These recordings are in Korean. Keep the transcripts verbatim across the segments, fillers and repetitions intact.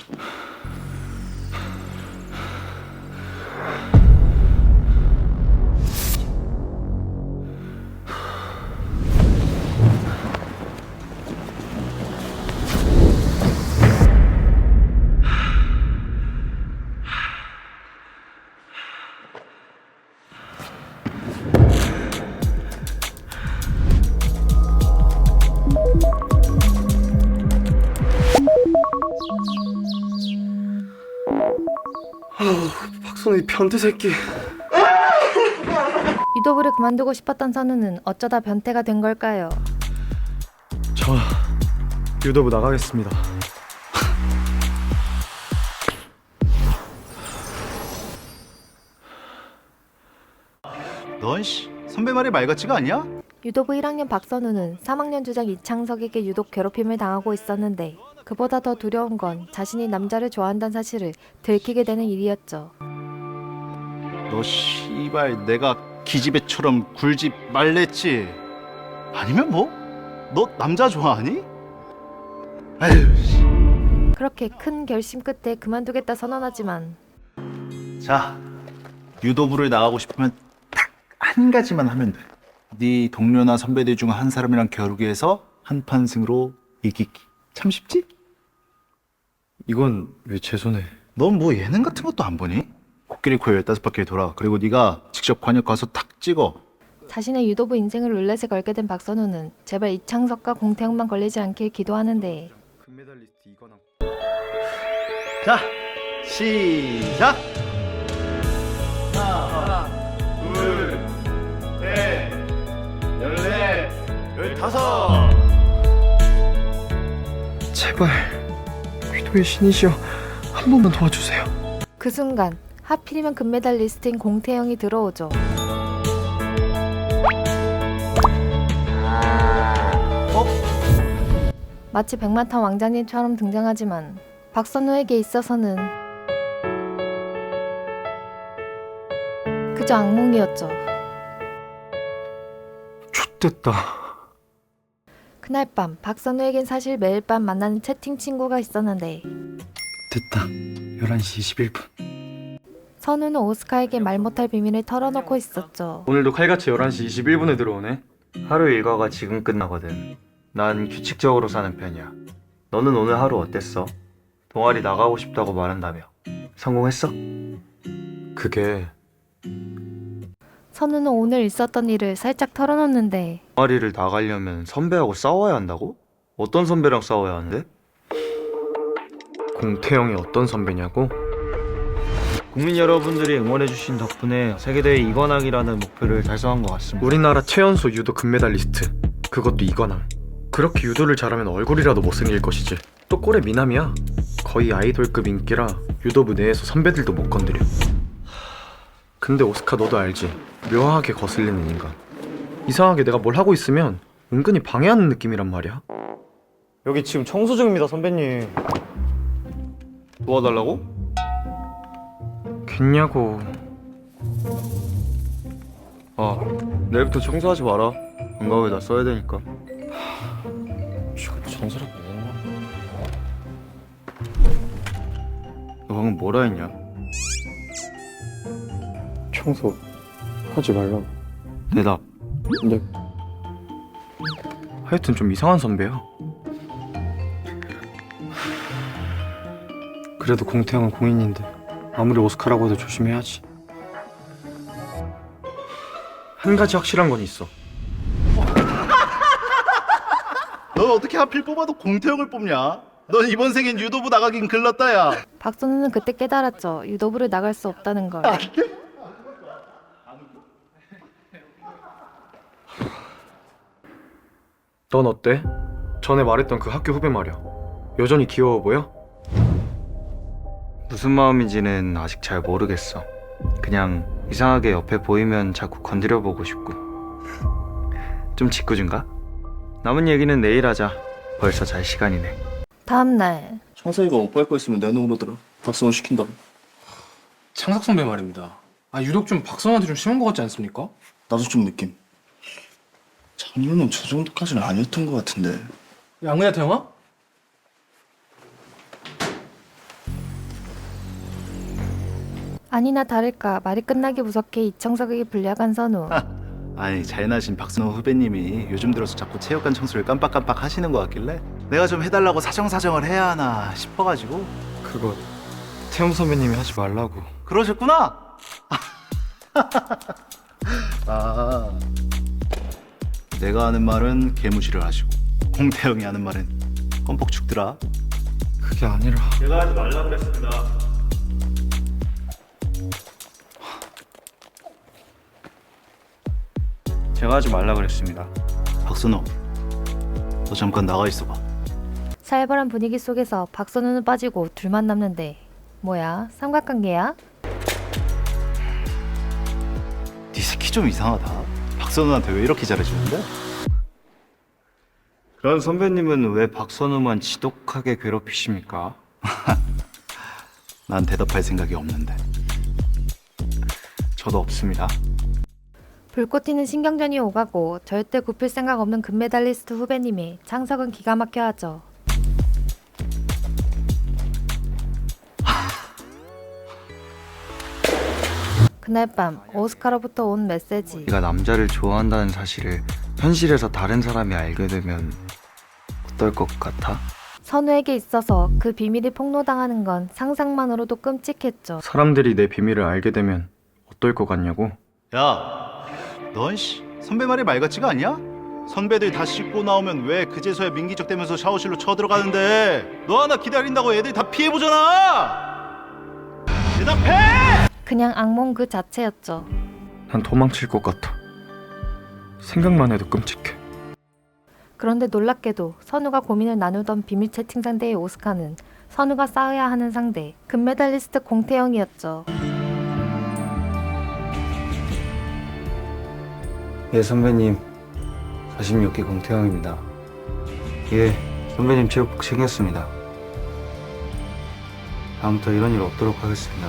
박선우 변태 새끼. 유도부를 그만두고 싶었던 선우는 어쩌다 변태가 된 걸까요? 저 유도부 나가겠습니다. 넌 씨, 선배 말이 말 같지가 않냐? 유도부 일 학년 박선우는 삼 학년 주장 이창석에게 유독 괴롭힘을 당하고 있었는데 그보다 더 두려운 건 자신이 남자를 좋아한다는 사실을 들키게 되는 일이었죠. 너 씨발 내가 기집애처럼 굴지 말랬지? 아니면 뭐? 너 남자 좋아하니? 아유 씨. 그렇게 큰 결심 끝에 그만두겠다 선언하지만 자, 유도부를 나가고 싶으면 딱 한 가지만 하면 돼. 네 동료나 선배들 중 한 사람이랑 겨루기 해서 한판 승으로 이기기. 참 쉽지? 이건 왜 제 손에? 넌 뭐 예능 같은 것도 안 보니? 코끼리 코 열다섯 바퀴 돌아. 그리고 네가 직접 관역 가서 탁 찍어. 자신의 유도부 인생을 룰렛에 걸게 된 박선우는 제발 이창석과 공태영만 걸리지 않길 기도하는데 금메달리스트 이건아. 자, 시작! 하나, 둘, 셋, 열넷, 열다섯! 제발 위도의 신이시여 한 번만 도와주세요. 그 순간 하필이면 금메달리스트인 공태영이 들어오죠. 어? 마치 백마탄 왕자님처럼 등장하지만 박선우에게 있어서는 그저 악몽이었죠. 좆됐다. 그날 밤 박선우에겐 사실 매일 밤 만나는 채팅 친구가 있었는데 됐다. 열한 시 이십일 분. 선우는 오스카에게 말 못할 비밀을 털어놓고 있었죠. 오늘도 칼같이 열한 시 이십일 분에 들어오네. 하루 일과가 지금 끝나거든. 난 규칙적으로 사는 편이야. 너는 오늘 하루 어땠어? 동아리 나가고 싶다고 말한다며. 성공했어? 그게 선우는 오늘 있었던 일을 살짝 털어놓는데 동아리를 나가려면 선배하고 싸워야 한다고? 어떤 선배랑 싸워야 하는데? 공태영이 어떤 선배냐고? 국민 여러분들이 응원해주신 덕분에 세계대회 이관왕이라는 목표를 달성한 것 같습니다. 우리나라 최연소 유도 금메달리스트. 그것도 이관왕. 그렇게 유도를 잘하면 얼굴이라도 못생길 것이지. 또 꼴의 미남이야. 거의 아이돌급 인기라 유도부 내에서 선배들도 못 건드려. 근데 오스카 너도 알지? 묘하게 거슬리는 인간. 이상하게 내가 뭘 하고 있으면 은근히 방해하는 느낌이란 말이야. 여기 지금 청소 중입니다, 선배님. 도와달라고? 겠냐고. 아, 내일부터 청소하지 마라. 방과후에 다 써야 되니까. 지금 정서라고 했나? 너 방금 뭐라 했냐? 청소 하지 말라고. 대답. 네. 하여튼 좀 이상한 선배야. 그래도 공태형은 공인인데 아무리 오스카라고 해도 조심해야지. 한 가지 확실한 건 있어. 넌 어떻게 하필 뽑아도 공태형을 뽑냐? 넌 이번 생엔 유도부 나가긴 글렀다 야. 박선우는 그때 깨달았죠. 유도부를 나갈 수 없다는 걸. 넌 어때? 전에 말했던 그 학교 후배 말이야. 여전히 귀여워 보여? 무슨 마음인지는 아직 잘 모르겠어. 그냥 이상하게 옆에 보이면 자꾸 건드려보고 싶고. 좀 짓궂은가? 남은 얘기는 내일 하자. 벌써 잘 시간이네. 다음날 창석이가 오빠할 거 있으면 내놓으러더라 박성호 시킨다고. 창석 선배 말입니다. 아 유독 좀 박선호한테 좀 심한 것 같지 않습니까? 나도 좀 느낌. 작년은 저 정도까지는 아니었던 것 같은데. 양근이한테 형아? 아니나 다를까 말이 끝나기 무섭게 이청석에게 불려간 선우. 아니 잘나신 박선호 후배님이 요즘 들어서 자꾸 체육관 청소를 깜빡깜빡 하시는 것 같길래 내가 좀 해달라고 사정사정을 해야 하나 싶어가지고. 그거 태용 선배님이 하지 말라고. 그러셨구나. 아, 내가 하는 말은 개무시를 하시고 홍태영이 하는 말은 껌뻑 죽더라. 그게 아니라. 제가 하지 말라 그랬습니다. 제가 하지 말라 그랬습니다. 박선호, 너 잠깐 나가 있어봐. 살벌한 분위기 속에서 박선우는 빠지고 둘만 남는데 뭐야? 삼각관계야? 네 새끼 좀 이상하다. 박선호한테 왜 이렇게 잘해주는데? 그런 선배님은 왜 박선우만 지독하게 괴롭히십니까? 난 대답할 생각이 없는데. 저도 없습니다. 불꽃 튀는 신경전이 오가고 절대 굽힐 생각 없는 금메달리스트 후배님이 창석은 기가 막혀 하죠. 그날 밤 오스카로부터 온 메시지. 네가 남자를 좋아한다는 사실을 현실에서 다른 사람이 알게 되면 어떨 것 같아? 선우에게 있어서 그 비밀이 폭로당하는 건 상상만으로도 끔찍했죠. 사람들이 내 비밀을 알게 되면 어떨 것 같냐고? 야, 넌 씨, 선배 말이 말 같지가 않냐? 선배들 다 씻고 나오면 왜 그제서야 민기적대면서 샤워실로 쳐들어가는데 너 하나 기다린다고 애들 다 피해보잖아! 대답해! 그냥 악몽 그 자체였죠. 난 도망칠 것 같아. 생각만 해도 끔찍해. 그런데 놀랍게도 선우가 고민을 나누던 비밀 채팅 상대의 오스카는 선우가 싸워야 하는 상대 금메달리스트 공태영이었죠. 예 선배님, 사십육 기 공태영입니다. 예, 선배님 체육복 챙겼습니다. 다음부터 이런 일 없도록 하겠습니다.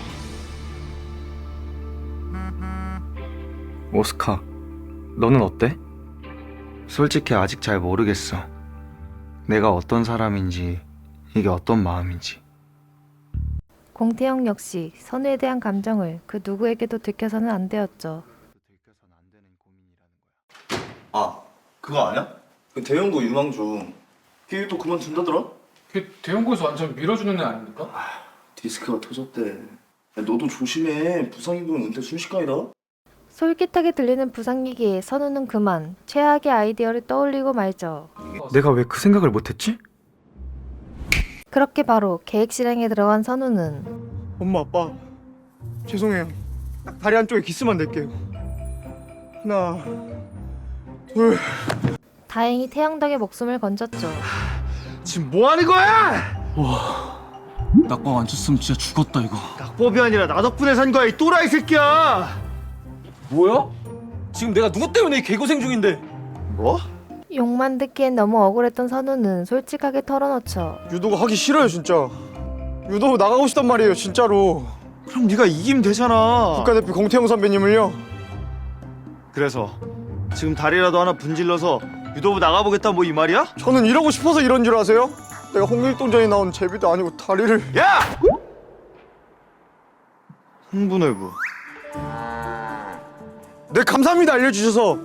오스카, 너는 어때? 솔직히 아직 잘 모르겠어. 내가 어떤 사람인지, 이게 어떤 마음인지. 공태영 역시 선우에 대한 감정을 그 누구에게도 들켜서는 안 되었죠. 아, 그거 아냐? 그 대형고 유망주 걔도 그만둔다더라? 걔 대형고에서 완전 밀어주는 애 아닙니까? 디스크가 터졌대. 야, 너도 조심해. 부상 입으면 은퇴 순식간이다. 솔깃하게 들리는 부상 얘기에 선우는 그만 최악의 아이디어를 떠올리고 말죠. 내가 왜 그 생각을 못했지? 그렇게 바로 계획 실행에 들어간 선우는 엄마 아빠 죄송해요. 딱 다리 한쪽에 기스만 낼게요. 하나 둘. 다행히 태영 덕에 목숨을 건졌죠. 지금 뭐 하는 거야? 낙방 안 쳤으면 진짜 죽었다 이거. 낙법이 아니라 나 덕분에 산 거야 이 또라이 새끼야. 뭐야? 지금 내가 누구 때문에 이 개고생 중인데? 뭐? 욕만 듣기엔 너무 억울했던 선우는 솔직하게 털어놓죠. 유도가 하기 싫어요 진짜. 유도 나가고 싶단 말이에요 진짜로. 그럼 네가 이기면 되잖아. 국가대표 공태영 선배님을요. 그래서 지금 다리라도 하나 분질러서 유도부 나가보겠다 뭐 이 말이야? 저는 이러고 싶어서 이런 줄 아세요? 내가 홍길동전에 나온 제비도 아니고 다리를. 야! 흥분해부. 네 감사합니다 알려주셔서.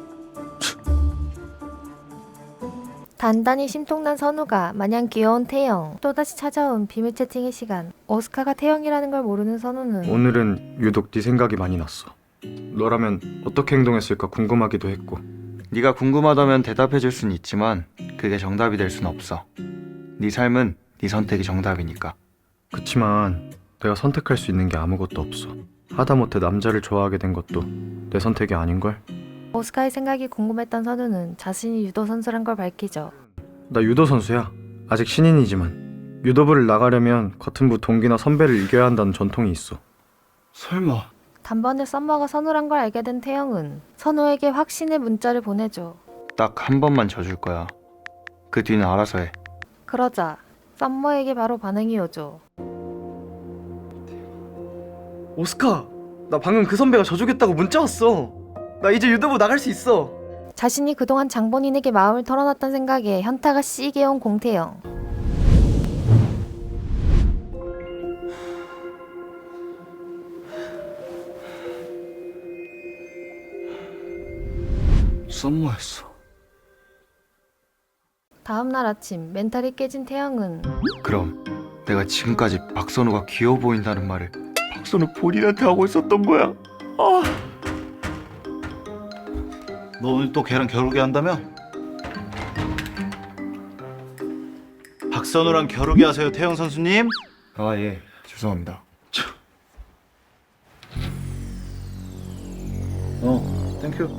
단단히 심통난 선우가 마냥 귀여운 태영. 또다시 찾아온 비밀 채팅의 시간. 오스카가 태영이라는 걸 모르는 선우는 오늘은 유독 네 생각이 많이 났어. 너라면 어떻게 행동했을까 궁금하기도 했고. 네가 궁금하다면 대답해줄 순 있지만 그게 정답이 될 순 없어. 네 삶은 네 선택이 정답이니까. 그치만 내가 선택할 수 있는 게 아무것도 없어. 하다못해 남자를 좋아하게 된 것도 내 선택이 아닌걸? 오스카의 생각이 궁금했던 선우는 자신이 유도 선수란 걸 밝히죠. 나 유도 선수야. 아직 신인이지만 유도부를 나가려면 같은 부 동기나 선배를 이겨야 한다는 전통이 있어. 설마. 단번에 썸머가 선우란 걸 알게 된 태영은 선우에게 확신의 문자를 보내죠. 딱 한 번만 져줄 거야. 그 뒤는 알아서 해. 그러자 썸머에게 바로 반응이 오죠. 오스카, 나 방금 그 선배가 져주겠다고 문자 왔어. 나 이제 유도부 나갈 수 있어. 자신이 그동안 장본인에게 마음을 털어놨던 생각에 현타가 씨게 온 공태영. 썸머였어. 다음날 아침 멘탈이 깨진 태영은 그럼 내가 지금까지 박선우가 귀여워 보인다는 말을 박선우 본인한테 하고 있었던 거야. 아. 너 오늘 또 걔랑 겨루게 한다며? 박선우랑 겨루게 하세요, 태영 선수님? 아, 예. 죄송합니다. 어, 땡큐.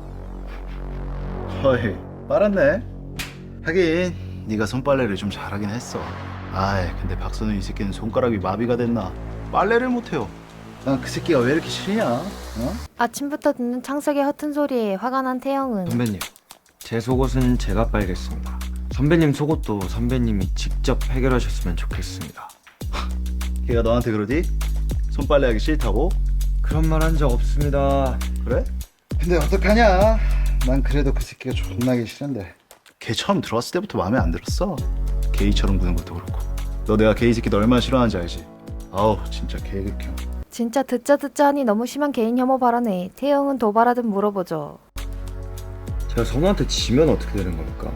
허이, 빨았네. 하긴 네가 손빨래를 좀 잘하긴 했어. 아이, 근데 박선우 이 새끼는 손가락이 마비가 됐나? 빨래를 못해요. 난 그 새끼가 왜 이렇게 싫냐? 어? 아침부터 듣는 창석의 허튼 소리에 화가 난 태영은 선배님, 제 속옷은 제가 빨겠습니다. 선배님 속옷도 선배님이 직접 해결하셨으면 좋겠습니다. 걔가 너한테 그러디? 손빨래하기 싫다고? 그런 말 한 적 없습니다. 그래? 근데 어떡하냐? 난 그래도 그 새끼가 존나게 싫은데. 걔 처음 들어왔을 때부터 마음에 안 들었어. 게이처럼 구는 것도 그렇고. 너 내가 게이 새끼 너 얼마나 싫어하는지 알지? 아우 진짜 개극혐. 진짜 듣자 듣자 하니 너무 심한 개인 혐오 발언에 태영은 도발하듯 물어보죠. 제가 선우한테 지면 어떻게 되는 겁니까?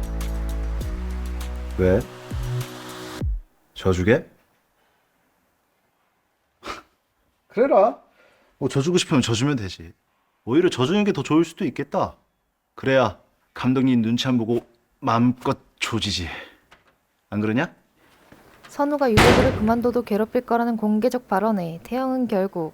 왜? 져주게? 그래라. 뭐 져주고 싶으면 져주면 되지. 오히려 져주는 게 더 좋을 수도 있겠다. 그래야 감독님 눈치 안 보고 마음껏 조지지. 안 그러냐? 선우가 유도부를 그만둬도 괴롭힐 거라는 공개적 발언에 태영은 결국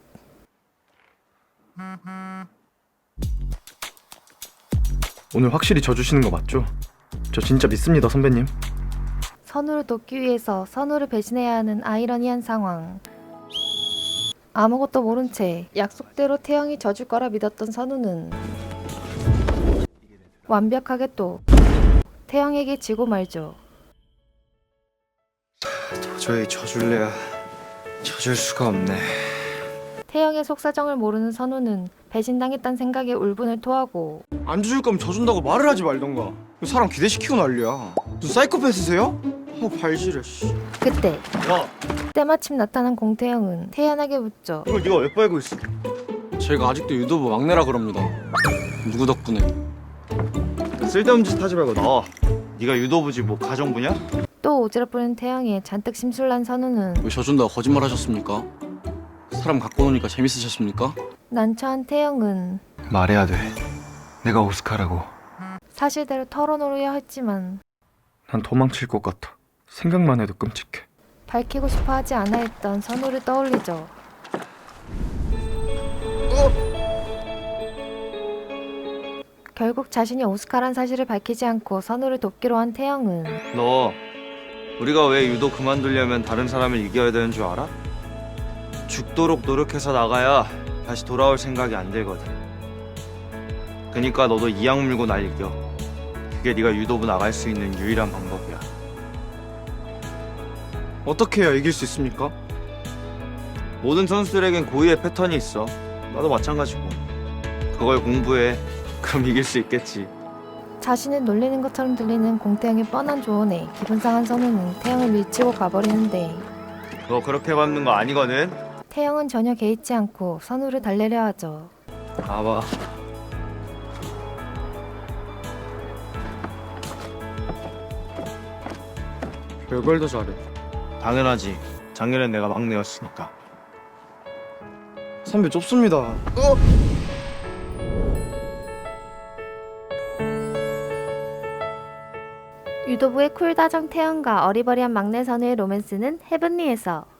오늘 확실히 져주시는 거 맞죠? 저 진짜 믿습니다 선배님. 선우를 돕기 위해서 선우를 배신해야 하는 아이러니한 상황. 아무것도 모른 채 약속대로 태영이 져줄 거라 믿었던 선우는 완벽하게 또 태영에게 지고 말죠. 도저히 져줄래야 져줄 수가 없네. 태영의 속사정을 모르는 선우는 배신당했단 생각에 울분을 토하고 안 줄 거면 져준다고 말을 하지 말던가. 사람 기대시키고 난리야. 무슨 사이코패스세요? 어 발질해 씨. 그때 야, 때마침 나타난 공태영은 태연하게 묻죠. 이걸 네가 왜 빨고 있어? 제가 아직도 유도부 막내라 그럽니다. 누구 덕분에? 쓸데없는 짓 하지 말고 나와. 네가 유도부지 뭐 가정부냐? 또 오지랖부리는 태영에 잔뜩 심술난 선우는 왜 져준다고 거짓말 하셨습니까? 사람 갖고 노니까 재밌으셨습니까? 난처한 태영은 말해야 돼. 내가 오스카라고. 사실대로 털어놓으려 했지만 난 도망칠 것 같아. 생각만 해도 끔찍해. 밝히고 싶어 하지 않아 했던 선우를 떠올리죠. 결국 자신이 오스카란 사실을 밝히지 않고 선우를 돕기로 한 태영은 너 우리가 왜 유도 그만두려면 다른 사람을 이겨야 되는 줄 알아? 죽도록 노력해서 나가야 다시 돌아올 생각이 안 들거든. 그니까 너도 이악 물고 날 이겨. 그게 네가 유도부 나갈 수 있는 유일한 방법이야. 어떻게 해야 이길 수 있습니까? 모든 선수들에겐 고유의 패턴이 있어. 나도 마찬가지고. 그걸 공부해. 그럼 이길 수 있겠지. 자신을 놀리는 것처럼 들리는 공태영의 뻔한 조언에 기분 상한 선우는 태영을 밀치고 가버리는데 너 그렇게 밟는 거 아니거든? 태영은 전혀 개의치 않고 선우를 달래려 하죠. 봐봐. 별걸 더 잘해. 당연하지. 작년엔 내가 막내였으니까. 선배 좁습니다. 유도부의 쿨다정 태연과 어리버리한 막내 선우의 로맨스는 헤븐리에서